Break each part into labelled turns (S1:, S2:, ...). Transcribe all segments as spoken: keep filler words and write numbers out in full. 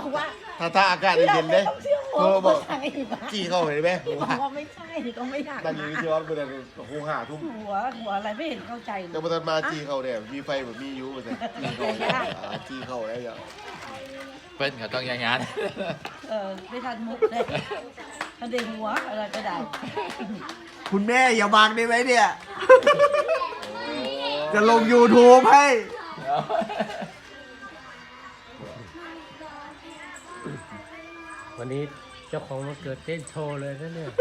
S1: ว่า
S2: ถ้าถ้าอากาศเย็นๆเลยโทรบอกจี้เข้าเห็นไหม
S1: ที่บอกว่าไม่ใช่ก็ไม่อยาก
S2: ตั้งอยู่ที่วัดเมื่อไหร่หูหาทุ่ม
S1: หัวหัวอะไรไม่เห็นเข้าใจเล
S2: จะ
S1: ย
S2: มาทันมาจี้เข้าเนี่ยมีไฟแบบมียูมาแต่จี้เข้าจี้เข้าได้ยัง
S3: เปิ้ลเขาต้องอย่างงั้น
S1: เออไม่ทันมุกเลยมันเด้งหัวอะไรก็ได้
S4: คุณแม่อย่าบังได้ไหมเนี่ย จะลง YouTube ให้
S5: วันนี้เจ้าของมาเกิดเต้นโชว์เลยนะเนี่ย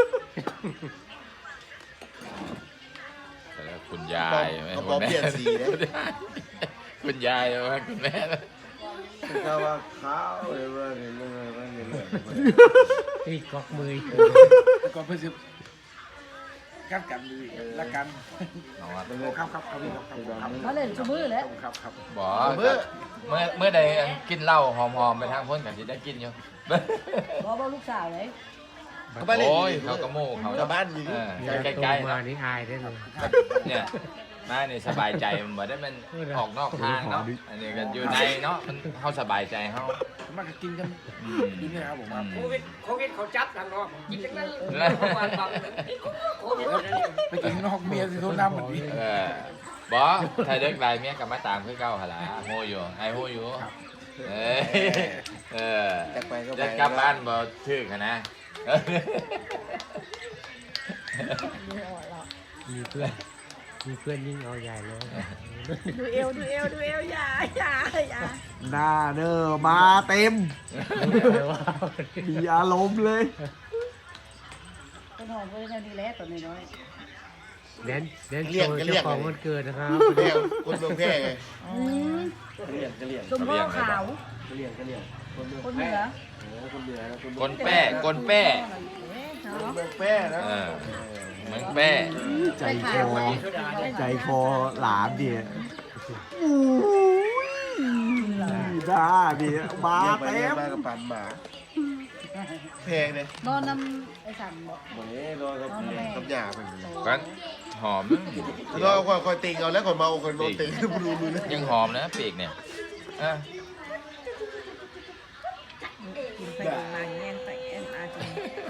S3: แล้วคุณยาย
S2: เขาบอกเปลี่ยนสีนะ
S3: คุณยายว่าคุณแม่
S2: เขาว่าขาวเลยว่าเนี่ยเรื่องอะไรเรื่องอะไร
S5: นี่กอกมือ
S6: ก่อนเพื่อจะกัดกันดีละกัน
S3: เอาอะ
S6: ครับครับครับครับครับ
S1: เขาเล่นชูมือแล้ว
S6: ครับครับ
S3: บอกเมื่อเมื่อเมื่อใดกินเหล้าหอมๆไปทางพ้นกันที่ได้กินอยู่
S1: บอกว่าลูกสาวเลย
S2: เขาบ้านเล่น
S3: โอ้ยเขากระโม่เขา
S2: ชาวบ้านอยู่
S3: เอ
S2: นี่
S3: อ
S5: ใก
S3: ใก
S5: ล้
S3: ล้ๆ
S5: มา
S3: นะ
S5: นี่อายได้เลย
S3: เนี่ยมาเนี่ยสบายใจมันบ่ได้มันออกนอกทางเนาะอันนี้ก็อยู่ในเนาะมันเขาสบายใจเขา
S6: มันก็กินกัน
S3: อืม
S6: กินเนี่ยครับผมครับ
S7: โควิดโควิดเขาจับกันเนาะกินจังนั้นวันบังโควิด
S6: ไปกินนอกเมียสิโทษน้ำเหมือนนี้
S3: เออบอถ้าเด็กไรเมียกับมาตามคือเก่าหนละโฮอยู่ไอโฮอยู่เออเออ
S2: จากไปก็ไป
S3: จะกลับบ้านบ่ถึกนะ
S5: มีเพื่อนมีเพื่อนยิ่งเอาใหญ่เลย
S1: ดูเอวดูเอวดูเอวอย่าอย่าอย่า
S4: หน้าเนอมาเต็ม มีอารมณ์เลย
S1: ต้นหอมก็ยังดีแล้วตัวน้อย
S5: แดนแดนโชว์เจ้าของวันเกิดนะครับ
S2: แม่คนเมืองแพร่ไง
S1: ๆอืม
S2: กะเลี่ยงกะเลี่ยง
S1: สมพ่อขาว
S2: กะเลี่ยงกะเลี่ยงคนเมือง
S1: คนเหนือ
S2: โอ้คนเหนือนะคน
S3: กนแป้กนแป้
S2: เมืองแพร่นะ
S3: เออเหมือนแป้
S4: ใจคอ ใจคอหลานเดียด้าเดียมา
S2: เลี้ยงไป
S4: เต็
S2: เลี้ยง
S4: ม
S2: มากับปันหมาแพงเลย
S1: นอนน้ำไอ้สันบอก
S2: หมดนี้รอกับกับหยาไป
S3: กันหอม
S2: รอคอยคอยติงเอาแล้วคนเมาคนเมาติงดูดูเลย
S3: ยังหอมนะปีกเนี่ยอ่ะ
S1: กินไปกินมาแง่งไปแง่งมาจน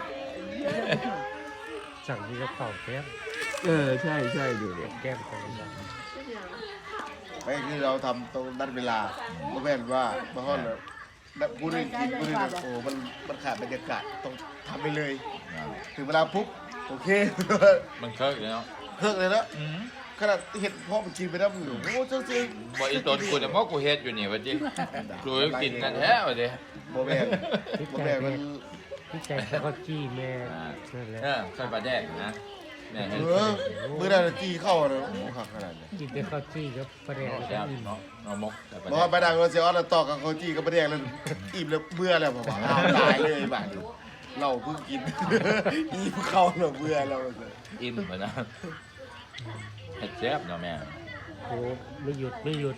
S5: สั่งที่กระเป๋าแก้ม
S4: เออ ใช่ใช่ดูดิ
S5: แก้มของเรา
S2: ไม่คือเราทำตรงนั้นเวลาก็แม่นว่ามาห้อนแล้วพูดเรื่องกินพูดเรื่องโอ้มันมันขาดบรรยากาศต้องทำไปเลย ถึงเวลาปุ๊บโอเค
S3: มันเคิร์กเลยเนาะ
S2: เพิกเลยนะ
S3: อืม
S2: ขนาดเห็ดพ่อมันกินไปแล้วมึงโอ้เจ้าจริง
S3: บ่อีตนกูจะมอกกูเฮ็ดอยู่นี่วะจิกูกินกันแท้วะจิ
S2: โมแม่นโมแม่นมัน
S5: พี่ใจเขาจี้แม่นั่นแหละ
S3: เออใส่ปลาแดกนะแม่
S2: เอ
S3: เห็น
S2: อมือนั้นจี้เข้าเลยโอ้หักขนาดนี้
S5: กินแต่ข้าวจี้กับประเดี๋ยว
S3: แซ่บเนาะเอามกใส่ปลา
S2: บอก
S3: แด
S2: ว่าก ไปดังเราเสียออสต่อกับเขาจี้กับประเดี๋ยวแล้วอิ่มแล้วเบื่อแล้วผมว่าตายเลยบ้านเราเพิ่งกินอิ่มเข้าแล้วเบื่อแล้ว
S3: อิ่มไปนะเฮ็ดแซ่บเนาะแม่
S5: โอ้ไม่หยุดไม่หยุด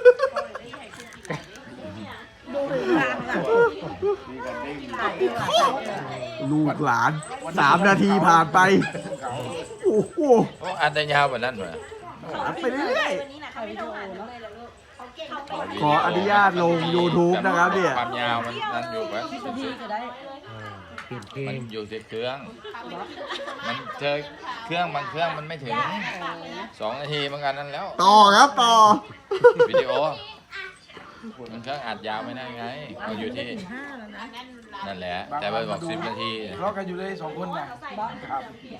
S1: ดูหรือทางล่ะ
S2: มีกันเด้ง
S1: ถ่ายเลยว่ะ
S4: ลูกหลานสามนาทีผ่านไป โอ้โห
S3: โอ้อันแต่ยาวกว่านั้นวะ
S4: ไปเรื่อย
S1: ถ่ายวิดีโอเนาะ
S4: ขออนุญาตลง YouTube นะครับเนี่ย
S3: ความยาวมันนั่นอยู่ปะ
S1: สิบนาทีก็ได้
S5: อ่าเปลี่ยนเพล
S3: มัน
S5: ง
S3: อยู่ที่เครื่อง มันเจอเครื่องบางเครื่องมันไม่ถึงสองนาทีเหมือนกันนั่นแล้ว
S4: ต่อครับต่อ
S3: วิดีโอมันเครื่องอัดยาวไม่ได้ไงมันอยู่ที่
S1: ห้าแล้วนะ
S3: นั่นแหละ แต่ไปบอกสิบนาที
S6: รอกันอยู่เลยสองคนนะครับ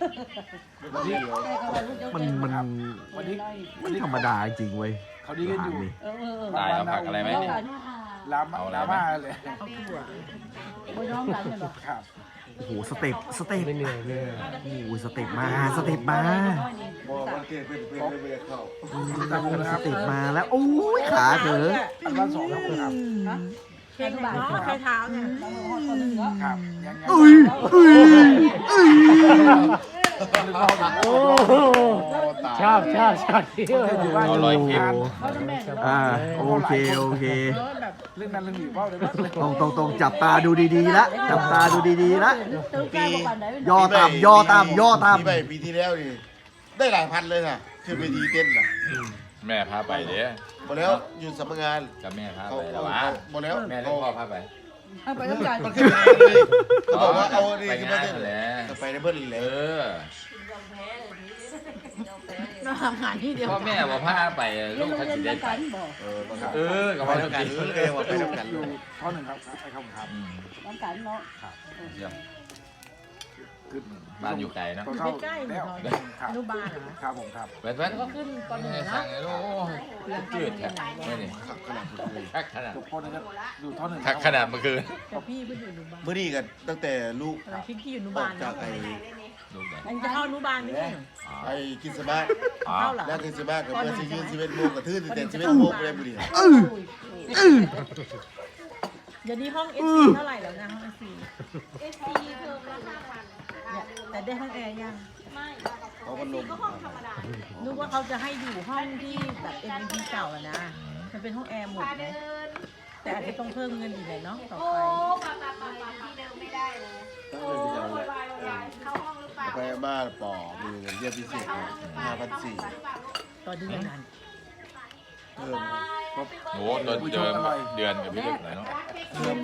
S4: มันมัน
S6: วันนี้
S4: ไม่ธรรมดาจริงเว้ย
S6: เขาดีกันอยู่
S4: นี่
S1: เออเออ
S3: ตายเอาผักอะไรไหมเนี่ย
S6: ลามลาม่าเลย
S1: เอาถั่วโอ้ยน้องกันเลยเหรอ
S6: ครับ
S4: โอ้โหสเต็ปสเต็ป
S5: ไม่เหนื่อยไม่เหนื่อย
S4: โอ้โหสเต็ปมาสเต็ปมา
S2: บอกมันเกิดเป็นเป็นไม่ได้เข้า
S4: อืมสเต็ปมาแล้วโอ้ยขาเถอะ
S6: อันวันสองครับครับ
S1: ใครบ้านใครเท้าเนี่ย
S6: ครับยังไง
S4: อุ้ยอุ้ยอุ้ย
S5: โอ้ชอบชอบชอบที่ว่า
S3: เอารอยคลิป
S1: เขาจะแม่
S4: อ่าโอเคโอเค
S1: แบบ
S6: เรื่องนั้นเรื่องนี้เปล่าเลย
S4: ตรงตรงตรงจับตาดูดีๆละจับตาดูดีๆละ
S1: ตื่นใจกว่าปันไหน
S4: ย่อต่ำย่อต่ำย่อต่
S2: ปีใหม่ปีที่แล้วนี่ได้หลายพันเลยค่ะขึ้นเวทีเต้นน่ะ
S3: แม่พาไปเด้อ
S2: หมดแล้วอยู่สำนักงาน
S3: กับแม่พา
S2: เขา
S3: ไปแล้
S2: เขา
S3: ววะ
S2: หมดแล้ว
S3: แม่แล้
S2: เขา
S3: วพ่อพาไป
S1: บเอาไปต้องการ
S2: มันขึ้นเลยเขาบอกว่าเอาดี
S3: ไป
S2: ขึ้น
S3: งา
S2: มา
S3: น
S2: ได้
S3: แหละ
S2: ก็ไปได้เบิ้ลเล
S3: เอย อ
S1: เราทำงานที่เดียว
S3: พ่อแม่บอกพาไปลูก
S1: โรง
S3: เขา
S1: เรียน
S3: สิได้
S1: เดียว
S3: ไป
S1: กันบอก
S2: เออก็ครับ
S3: เออกับ
S2: ไป
S3: พ่อ
S2: ทำกัน
S3: กิน
S2: เลยว่าไปทำกัน
S6: อยู่ท่อหนึ่งครับไปครับครับ
S3: อืม
S1: ต้องการเนาะ
S3: เยี่ยม
S6: คือ
S3: บ้านอยู่ไกลเนาะ
S6: เข้าแล้วครับ
S1: อนุบาลเหรอ
S6: ครับผมครับ
S3: เว้นเว้น
S1: ก็ขึ้นตอนหนึ่ง
S3: สั่
S1: เนาะ
S3: งเลยโอ้จืดแท้ไม่นี่
S2: ขับขนาดเลย
S3: คักขนาด
S6: จบคนนึงก็อยู่ท่อหนึ่ง
S3: คักขนาดเมื่อคืน
S1: แต่พี่เพิ่งอยู่อนุบาล
S2: เมื่อนี้กันตั้งแต่ลูก
S1: เราคิดที่อยู่อนุ
S2: ออบ
S1: าก ล
S2: จา
S1: เนาะ
S2: กไอ้
S3: ลูกใหญ่
S1: มันจะเข้าอนุบาลไหมเนี่ย
S2: ไอ้กินสบ้า
S3: อ๋อ
S1: เข้าเหรอ
S2: แล้วกินสบ้ากับเมื่อสิยืนสิบเอ็ดโมงกับทื่นสิบเอ็ดสิบเอ็ดโมงเลยบุรี
S4: เออเออ
S1: เดี๋ยวนี้ห้องเอซีเท่าไหร่แล้วนะห้องเอซี
S8: เอสซีเทอมละห้าพัน
S1: แต่ได้ห้องแอร์ยัง
S8: ไม่
S2: เขาก็ลง
S8: ก็ห้องธรรมดา
S1: นึกว่าเขาจะให้อยู่ห้องที่แบบเอ็นพีเก่าอะนะมันเป็นห้องแอร์หมด
S8: พา
S1: ไหม
S8: เดิน
S1: แต่อาจจะต้องเพิ่มเงินอีกหน่อยเนาะต่อ
S8: โอ้
S1: ไป
S8: ปาปาปาปาที่เดิมไม่ได้เลย
S2: ต้อง
S8: โอ้
S2: เลย
S8: ย
S2: ไป
S8: วายวายเข้าห้องหรือเปล่า
S2: ไปบ้านปอมีเงินเรียกพิเศษห้าพันสี่
S1: ต่อเดือนนั้น
S2: เพิ่ม
S3: โอ้ต้นเดือนเดือนกับพี่เล็กหน่อยเนาะ
S2: เพิ่ม